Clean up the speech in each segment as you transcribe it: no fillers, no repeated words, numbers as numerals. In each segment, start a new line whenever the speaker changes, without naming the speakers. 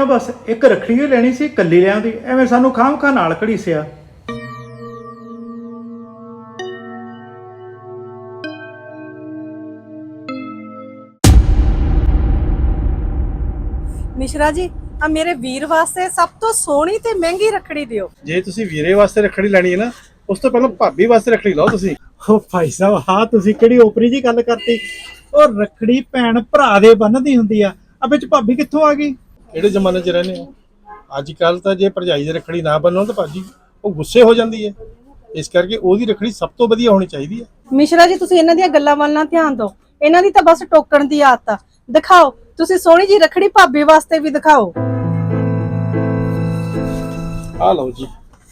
बस एक रखड़ी ही लेनी सी, कल्ली लियांदी, एवें सानू खाम खा नाल घड़ीसिया।
मिश्रा जी आ मेरे वीर वास्ते सब तो सोहनी ते महंगी रखड़ी दियो।
जे तुसी वीरे वास्ते रखड़ी लैनी है ना, उस तो पहले भाभी वास्ते रखड़ी लाओ तुसी।
ओ भाई साहब, हाँ तुसी किहड़ी ओपरी जी गल करती। ओ रखड़ी भैन भरा दे बन्नदी हुंदी आ, आ विच भाभी कित्थों आ गई?
किहड़े जमाने च रहने हो? अजकल तो जे भरजाई दी रखड़ी ना बनो तो भाजी वो गुस्से हो जाती है, इस करके ओदी रखड़ी सब तो वधिया होनी चाहिए।
मिश्रा जी तुसी इन्हां दीयां गल्लां वल ना ध्यान दो, इन्हां दी तां बस टोकण दी आदत आ। दिखाओ तुसी सोहनी जी रखड़ी भाभी वास्ते भी दिखाओ।
आ लो जी,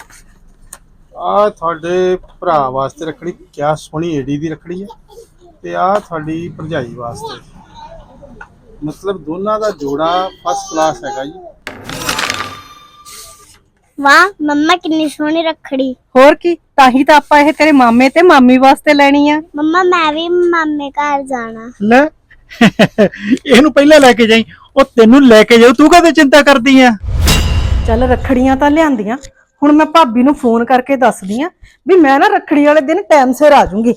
आ तुहाडे भरा वास्ते रखड़ी क्या सोहनी एडी दी रखड़ी है, ते आ तुहाडी भरजाई वास्ते, मतलब दोनों का जोड़ा फर्स्ट क्लास है जी।
वाह मम्मा कितनी सोहनी रखड़ी।
होर की ताही तां आपां इह तेरे मामे ते मामी वास्ते लैनी आ।
मम्मा मैं भी मामे घर जाना।
ले ਇਹਨੂੰ ਪਹਿਲਾਂ ਲੈ ਕੇ ਜਾਈ, ਉਹ ਤੈਨੂੰ ਲੈ ਕੇ ਜਾਊ, ਤੂੰ ਕਾਹਦੇ ਚਿੰਤਾ ਕਰਦੀ ਆ?
ਚੱਲ ਰੱਖੜੀਆਂ ਤਾਂ ਲਿਆਂਦੀਆਂ, ਹੁਣ ਮੈਂ ਭਾਬੀ ਨੂੰ ਫੋਨ ਕਰਕੇ ਦੱਸਦੀ ਆ ਵੀ ਮੈਂ ਨਾ ਰੱਖੜੀ ਵਾਲੇ ਦਿਨ ਟਾਈਮ ਸਿਰ ਆ ਜਾਊਂਗੀ।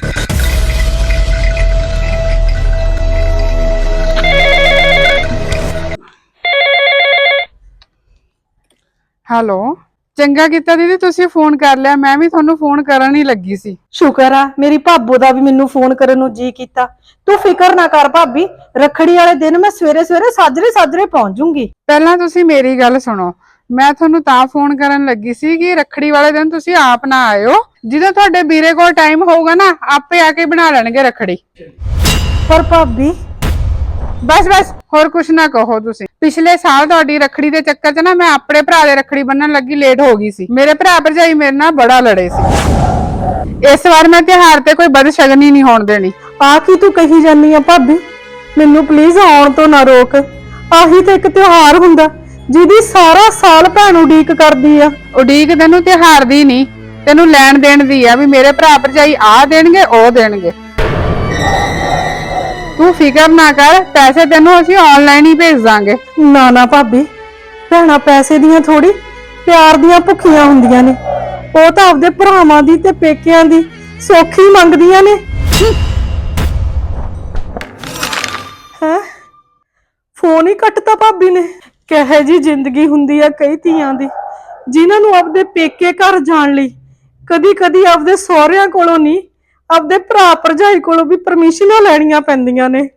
ਹੈਲੋ, ਚੰਗਾ ਕੀਤਾ ਦੀਦੀ ਤੁਸੀਂ ਫੋਨ ਕਰ ਲਿਆ, ਮੈਂ ਵੀ ਤੁਹਾਨੂੰ ਫੋਨ ਕਰਨ ਹੀ ਲੱਗੀ ਸੀ।
ਸ਼ੁਕਰ ਆ ਮੇਰੀ ਭਾਬੋ ਦਾ ਵੀ ਮੈਨੂੰ ਫੋਨ ਕਰਨ ਨੂੰ ਜੀ ਕੀਤਾ। ਤੂੰ ਫਿਕਰ ਨਾ ਕਰ ਭਾਬੀ, ਰੱਖੜੀ ਵਾਲੇ ਦਿਨ ਮੈਂ ਸਵੇਰੇ ਸਵੇਰੇ ਸਾਜਰੇ ਪਹੁੰਚ ਜਾਊਂਗੀ।
ਪਹਿਲਾਂ ਤੁਸੀਂ ਮੇਰੀ ਗੱਲ ਸੁਣੋ, ਮੈਂ ਤੁਹਾਨੂੰ ਤਾਂ ਫੋਨ ਕਰਨ ਲੱਗੀ ਸੀ ਕਿ ਰੱਖੜੀ ਵਾਲੇ ਦਿਨ ਤੁਸੀਂ ਆਪ ਨਾ ਆਇਓ, ਜਦੋਂ ਤੁਹਾਡੇ ਵੀਰੇ ਕੋਲ ਟਾਈਮ ਹੋਊਗਾ ਨਾ ਆਪੇ ਆ ਕੇ ਬਣਾ ਲੈਣਗੇ ਰੱਖੜੀ।
ਪਰ ਭਾਬੀ
ਬਸ ਹੋਰ ਕੁਛ ਨਾ ਕਹੋ ਤੁਸੀਂ। ਪਿਛਲੇ ਸਾਲ ਤੁਹਾਡੀ ਰੱਖੜੀ ਦੇ ਚੱਕਰ 'ਚ ਨਾ ਮੈਂ ਆਪਣੇ ਭਰਾ ਦੇ ਰੱਖੜੀ ਬੰਨਣ ਲੱਗੀ ਲੇਟ ਹੋ ਗਈ ਸੀ। ਮੇਰੇ ਭਰਾ ਭਰਜਾਈ ਮੇਰੇ ਨਾਲ ਬੜਾ ਲੜੇ ਸੀ। ਇਸ ਵਾਰ ਮੈਂ ਤਿਉਹਾਰ ਤੇ ਕੋਈ ਬਦਸ਼ਗਨੀ ਨਹੀਂ ਹੋਣ ਦੇਣੀ।
ਆ ਕੀ ਤੂੰ ਕਹੀ ਜਾਨੀ ਆ ਭਾਬੀ, ਮੈਨੂੰ ਪਲੀਜ਼ ਆਉਣ ਤੋਂ ਨਾ ਰੋਕ। ਆਹੀ ਤਾਂ ਇੱਕ ਤਿਉਹਾਰ ਹੁੰਦਾ ਜਿਹਦੀ ਸਾਰਾ ਸਾਲ ਭੈਣ ਉਡੀਕ ਕਰਦੀ ਆ।
ਉਡੀਕ ਤੈਨੂੰ ਤਿਉਹਾਰ ਦੀ ਨਹੀਂ, ਤੈਨੂੰ ਲੈਣ ਦੇਣ ਦੀ ਆ ਵੀ ਮੇਰੇ ਭਰਾ ਭਰਜਾਈ ਆ ਦੇਣਗੇ ਉਹ ਦੇਣਗੇ। ਤੂੰ ਫਿਕਰ ਨਾ ਕਰ, ਪੈਸੇ ਤੈਨੂੰ ਅਸੀਂ ਆਨਲਾਈਨ ਹੀ ਭੇਜ ਦਾਂਗੇ।
ਨਾ ਭਾਬੀ, ਭੈਣਾਂ ਪੈਸੇ ਦੀਆਂ ਥੋੜੀ ਪਿਆਰ ਦੀਆਂ ਭੁੱਖੀਆਂ ਹੁੰਦੀਆਂ ਨੇ। ਉਹ ਤਾਂ ਆਪਦੇ ਭਰਾਵਾਂ ਦੀ ਤੇ ਪੇਕਿਆਂ ਦੀ ਸੌਖੀ ਮੰਗਦੀਆਂ ਨੇ। ਹੈ ਫੋਨ ਹੀ ਕੱਟਤਾ ਭਾਬੀ ਨੇ। ਕਹੇ ਜੀ ਜ਼ਿੰਦਗੀ ਹੁੰਦੀ ਆ ਕਈ ਧੀਆਂ ਦੀ, ਜਿਨ੍ਹਾਂ ਨੂੰ ਆਪਦੇ ਪੇਕੇ ਘਰ ਜਾਣ ਲਈ ਕਦੀ ਆਪਦੇ ਸਹੁਰਿਆਂ ਕੋਲੋਂ ਨਹੀਂ, ਆਪਦੇ ਭਰਾ ਭਰਜਾਈ ਕੋਲੋਂ ਵੀ ਪਰਮਿਸ਼ਨਾਂ ਲੈਣੀਆਂ ਪੈਂਦੀਆਂ ਨੇ।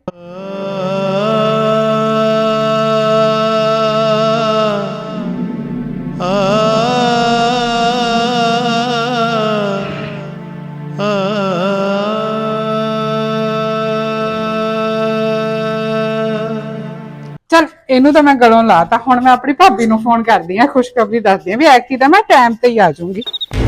ਚਲ ਇਹਨੂੰ ਤਾਂ ਮੈਂ ਗਲੋਂ ਲਾਤਾ, ਹੁਣ ਮੈਂ ਆਪਣੀ ਭਾਬੀ ਨੂੰ ਫੋਨ ਕਰਦੀ ਆ, ਖੁਸ਼ਖਬਰੀ ਦੱਸਦੀ ਆ ਵੀ ਐਤਕੀ ਤਾਂ ਮੈਂ ਟਾਈਮ ਤੇ ਹੀ ਆ ਜਾਊਂਗੀ।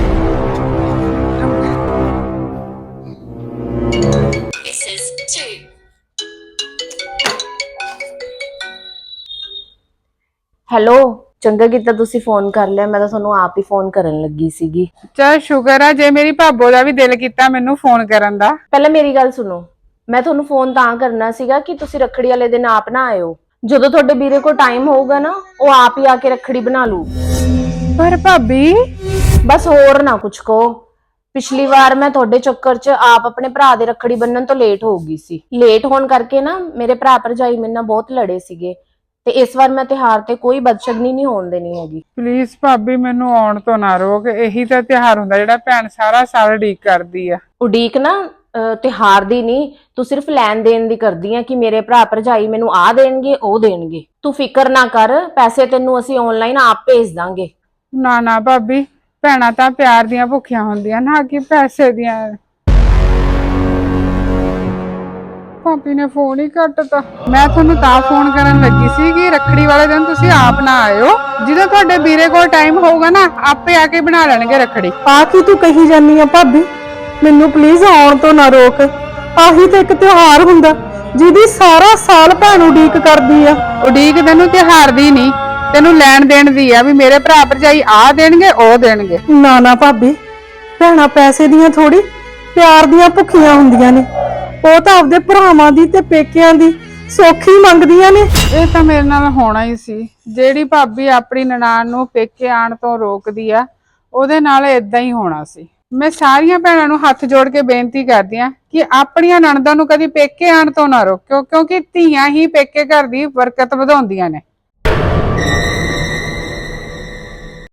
ਹੈਲੋ, ਚੰਗਾ ਕੀਤਾ ਤੁਸੀਂ ਫੋਨ ਕਰ ਲਿਆ, ਮੈਂ ਤਾਂ ਤੁਹਾਨੂੰ ਆਪ ਹੀ ਫੋਨ ਕਰਨ ਲੱਗੀ ਸੀਗੀ।
ਚਲ ਸ਼ੁਕਰ ਆ ਜੇ ਮੇਰੀ ਭਾਬੋ ਦਾ ਵੀ ਦਿਲ ਕੀਤਾ ਮੈਨੂੰ ਫੋਨ ਕਰਨ ਦਾ।
ਪਹਿਲਾਂ ਮੇਰੀ ਗੱਲ ਸੁਣੋ, ਮੈਂ ਤੁਹਾਨੂੰ ਫੋਨ ਤਾਂ ਕਰਨਾ ਸੀਗਾ ਕਿ ਤੁਸੀਂ ਰੱਖੜੀ ਵਾਲੇ ਦਿਨ ਆਪ ਨਾ ਆਇਓ। ਜਦੋਂ ਤੁਹਾਡੇ ਵੀਰੇ ਕੋਲ ਟਾਈਮ ਹੋਊਗਾ ਨਾ ਉਹ ਆਪ ਹੀ ਆ ਕੇ ਰੱਖੜੀ ਬਣਾ ਲੂ।
ਪਰ ਭਾਬੀ
ਬਸ ਹੋਰ ਨਾ ਕੁਛ ਕਹੋ। ਪਿਛਲੀ ਵਾਰ ਮੈਂ ਤੁਹਾਡੇ ਚੱਕਰ 'ਚ ਆਪ ਆਪਣੇ ਭਰਾ ਦੇ ਰੱਖੜੀ ਬੰਨਣ ਤੋਂ ਲੇਟ ਹੋ ਗਈ ਸੀ। ਲੇਟ ਹੋਣ ਕਰਕੇ ਨਾ ਮੇਰੇ ਭਰਾ ਭਰਜਾਈ ਮੇਰੇ ਨਾਲ ਬਹੁਤ ਲੜੇ ਸੀਗੇ, ਤੇ ਇਸ ਵਾਰ ਮੈਂ ਤਿਉਹਾਰ ਤੇ ਕੋਈ ਬਦਸ਼ਗਨੀ ਨਹੀਂ ਹੋਣ ਦੇਣੀ ਹੈਗੀ।
ਪਲੀਜ਼ ਭਾਬੀ ਮੈਨੂੰ ਆਉਣ ਤੋਂ ਨਾ ਰੋਕ, ਇਹੀ ਤਾਂ ਤਿਉਹਾਰ ਹੁੰਦਾ ਜਿਹੜਾ ਭੈਣ ਸਾਰਾ ਸਾਲ ਉਡੀਕ ਕਰਦੀ ਆ।
ਉਡੀਕ ਨਾ ਤਿਉਹਾਰ ਦੀ ਨਹੀਂ, ਤੂੰ ਸਿਰਫ ਲੈਣ ਦੇਣ ਦੀ ਕਰਦੀ ਆ ਕਿ ਮੇਰੇ ਭਰਾ ਭਰਜਾਈ ਮੈਨੂੰ ਆ ਦੇਣਗੇ ਉਹ ਦੇਣਗੇ। ਤੂੰ ਫਿਕਰ ਨਾ ਕਰ, ਪੈਸੇ ਤੈਨੂੰ ਅਸੀਂ ਆਨਲਾਈਨ ਆਪ ਭੇਜ ਦਾਂਗੇ।
ਨਾ ਭਾਬੀ, ਭੈਣਾਂ ਤਾਂ ਪਿਆਰ ਦੀਆਂ ਭੁੱਖੀਆਂ ਹੁੰਦੀਆਂ ਨਾ ਕਿ ਪੈਸੇ ਦੀਆਂ। ਭਾਬੀ ਨੇ ਫੋਨ ਹੀ ਕੱਟਤਾ। ਮੈਂ ਤੁਹਾਨੂੰ ਤਾਂ ਫੋਨ ਕਰਨ ਲੱਗੀ ਸੀ ਕਿ ਰੱਖੜੀ ਵਾਲੇ ਦਿਨ ਤੁਸੀਂ ਆਪ ਨਾ ਆਇਓ, ਜਦੋਂ ਤੁਹਾਡੇ ਵੀਰੇ ਕੋਲ ਟਾਈਮ ਹੋਊਗਾ ਨਾ ਆਪੇ ਆ ਕੇ ਬਣਾ ਲੈਣਗੇ ਰੱਖੜੀ।
ਆ ਕੀ ਤੂੰ ਕਹੀ ਜਾਨੀ ਆ ਭਾਬੀ, ਮੈਨੂੰ ਪਲੀਜ਼ ਆਉਣ ਤੋਂ ਨਾ ਰੋਕ। ਆਹੀ ਤਾਂ ਇੱਕ ਤਿਉਹਾਰ ਹੁੰਦਾ ਜਿਹਦੀ ਸਾਰਾ ਸਾਲ ਭੈਣ ਉਡੀਕ ਕਰਦੀ ਆ।
ਉਡੀਕ ਤੈਨੂੰ ਤਿਉਹਾਰ ਦੀ ਨਹੀਂ, ਤੈਨੂੰ ਲੈਣ ਦੇਣ ਦੀ ਆ ਵੀ ਮੇਰੇ ਭਰਾ ਭਰਜਾਈ ਆ ਦੇਣਗੇ ਉਹ ਦੇਣਗੇ।
ਨਾ ਭਾਬੀ, ਭੈਣਾਂ ਪੈਸੇ ਦੀਆਂ ਥੋੜੀ ਪਿਆਰ ਦੀਆਂ ਭੁੱਖੀਆਂ ਹੁੰਦੀਆਂ ਨੇ। ਉਹ ਤਾਂ ਆਪਦੇ ਭਰਾਵਾਂ ਦੀ ਤੇ ਪੇਕਿਆਂ ਦੀ ਸੌਖੀ ਮੰਗਦੀਆਂ ਨੇ।
ਇਹ ਤਾਂ ਮੇਰੇ ਨਾਲ ਹੋਣਾ ਹੀ ਸੀ। ਜਿਹੜੀ ਭਾਬੀ ਆਪਣੀ ਨਨਾਣ ਨੂੰ ਪੇਕੇ ਆਣ ਤੋਂ ਰੋਕਦੀ ਆ, ਉਹਦੇ ਨਾਲ ਇਦਾਂ ਹੀ ਹੋਣਾ ਸੀ। ਮੈਂ ਸਾਰੀਆਂ ਭੈਣਾਂ ਨੂੰ ਹੱਥ ਜੋੜ ਕੇ ਬੇਨਤੀ ਕਰਦੀ ਆ ਕਿ ਆਪਣੀਆਂ ਨਣਦਾਂ ਨੂੰ ਕਦੀ ਪੇਕੇ ਆਣ ਤੋਂ ਨਾ ਰੋਕਿਓ, ਕਿਉਂਕਿ ਧੀਆਂ ਹੀ ਪੇਕੇ ਘਰ ਦੀ ਬਰਕਤ ਵਧਾਉਂਦੀਆਂ ਨੇ।